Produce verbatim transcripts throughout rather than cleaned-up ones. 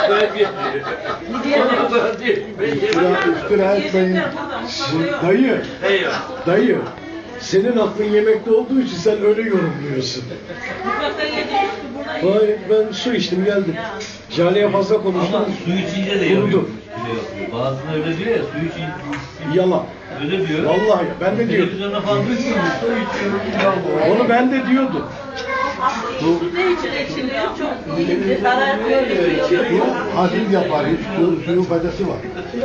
İftira etmeyin. Dayı, dayı. Senin aklın yemekte olduğu için sen öyle yorumluyorsun. Hayır, ben su içtim geldim. Jale'ye fazla konuştum. Ama su içince de Kurudu. Bazısında öyle diyor ya, su içince. Yalan. Öyle diyor. Vallahi ben de diyordum. Televizyonda falan duymuyor musun? Su içiyorum. Onu ben de diyordum. Bu, Ne için içiliyor? Çok iyi. Zarar görüyor. bu hafif yapar. Hiç su, suyun faydası var.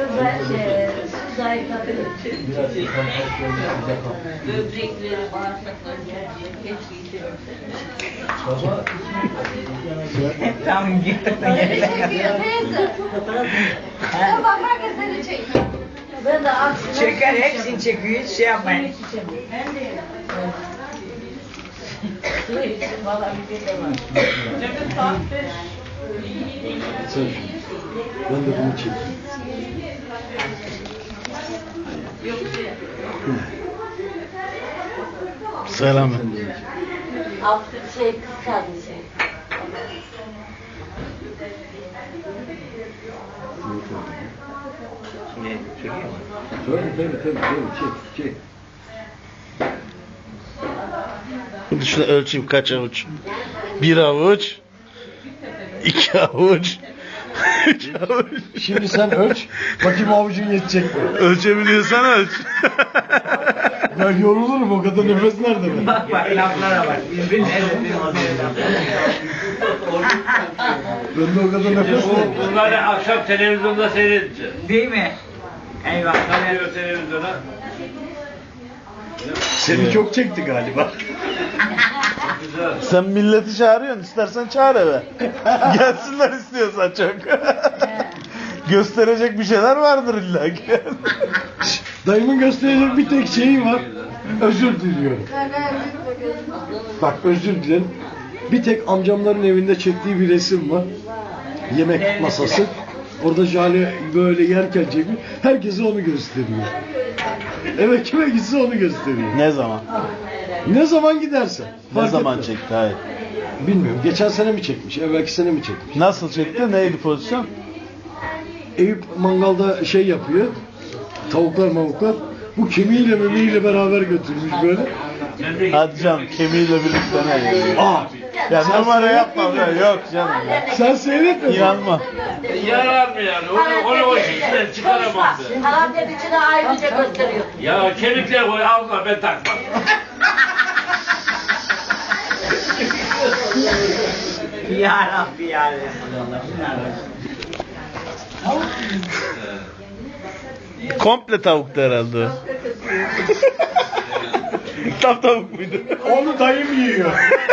Böbrekleri, bağırsakları keşke Baba. Tam gittin yerine kadar. Bak herkes seni çekiyor. Ben de aksine... Çeker hepsini çekiyor, hiç şey yapmayın. Ben de su için valla bir şey de var. Cemil saat beş. Sen, ben de bunu çekeyim. Yok şey. Selam. Altı şey kız kardeşi. Ne? Çekiyor mu? Tabii tabii tabii, tabii. Çek, çek. Şunu ölçeyim kaç avuç. Bir avuç. İki avuç. Üç avuç. Şimdi sen ölç, bakayım avucun yetecek mi? Ölçebiliyorsan ölç. Ben yorulurum, o kadar nefes nerede ben? Bak bak laflara bak. Birbirine Bende o kadar nefes nerede? Bunları akşam televizyonda seyredeceğiz. Değil mi? Eyvah. Geliyor televizyona. Seni çok çekti galiba. Güzel. Sen milleti çağırıyorsun. İstersen çağır eve. Gelsinler istiyorsan çok. Gösterecek bir şeyler vardır illa ki. Dayımın gösterecek bir tek şeyi var. Özür diliyorum. Bak özür dilerim. Bir tek amcamların evinde çektiği bir resim var. Yemek masası. Orada Jale böyle yerken çekmiş. Herkese onu gösteriyor. Evet, kime gitse onu gösteriyor. Ne zaman? Ne zaman gidersen. Ne fark zaman etmez. çekti? Hayır. Bilmiyorum. Geçen sene mi çekmiş? Evvelki sene mi çekmiş? Nasıl çekti? Neydi pozisyon? Eyüp mangalda şey yapıyor. Tavuklar mavuklar. Bu kemiğiyle memiğiyle beraber götürmüş böyle. Hadi canım kemiğiyle birlikte ne yiyor? Aa! Ya numara yapma ya. Yok canım ya. Sen seyretme. İnanma. Yarar mı yani? Onu, onu o işten çıkaramam ben. Karantin içine ayrıca gösteriyor. Ya kemikler koy ağzına ben takmam. Ya Rabbi ya Resulallah. Komple tavuktu herhalde o. Tam tavuk muydu? Onu dayım yiyor.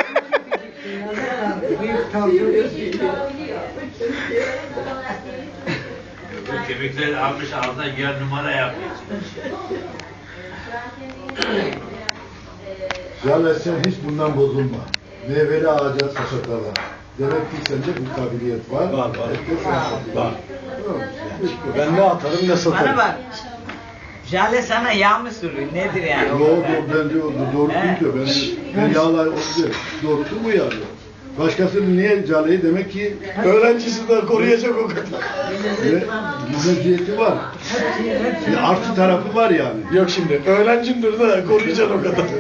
Bu kemikleri almış ağzına yer numara yapıyor. Ya sen hiç bundan bozulma. Meyveli ağaca saçaklarla. Demek ki sende bu kabiliyet var. Var var. Var. Ben ne atarım ne Bana satarım. bak. Jale sana yağ mı sürüyor? Nedir yani? Yo, yo, ben diyor, doğru değil diyor. Ben, ben yağlar o diyor. Doğrusu bu ya diyor. Başkasının niye Jale'yi demek ki öğrencisi de koruyacak o kadar. Ve meziyeti var. Bir artı tarafı var yani. Yok şimdi öğrencimdir de koruyacaksın o kadar.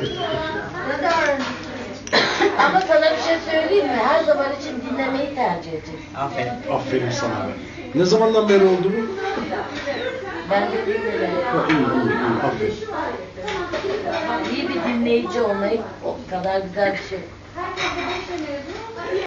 Ama sana bir şey söyleyeyim mi? Her zaman için dinlemeyi tercih edecek. Aferin. Aferin sana. Ne zamandan beri oldu bu? Ben de dinlemeyi. Ha, iyi, iyi, iyi. Aferin. İyi bir dinleyici olmayı o kadar güzel bir şey.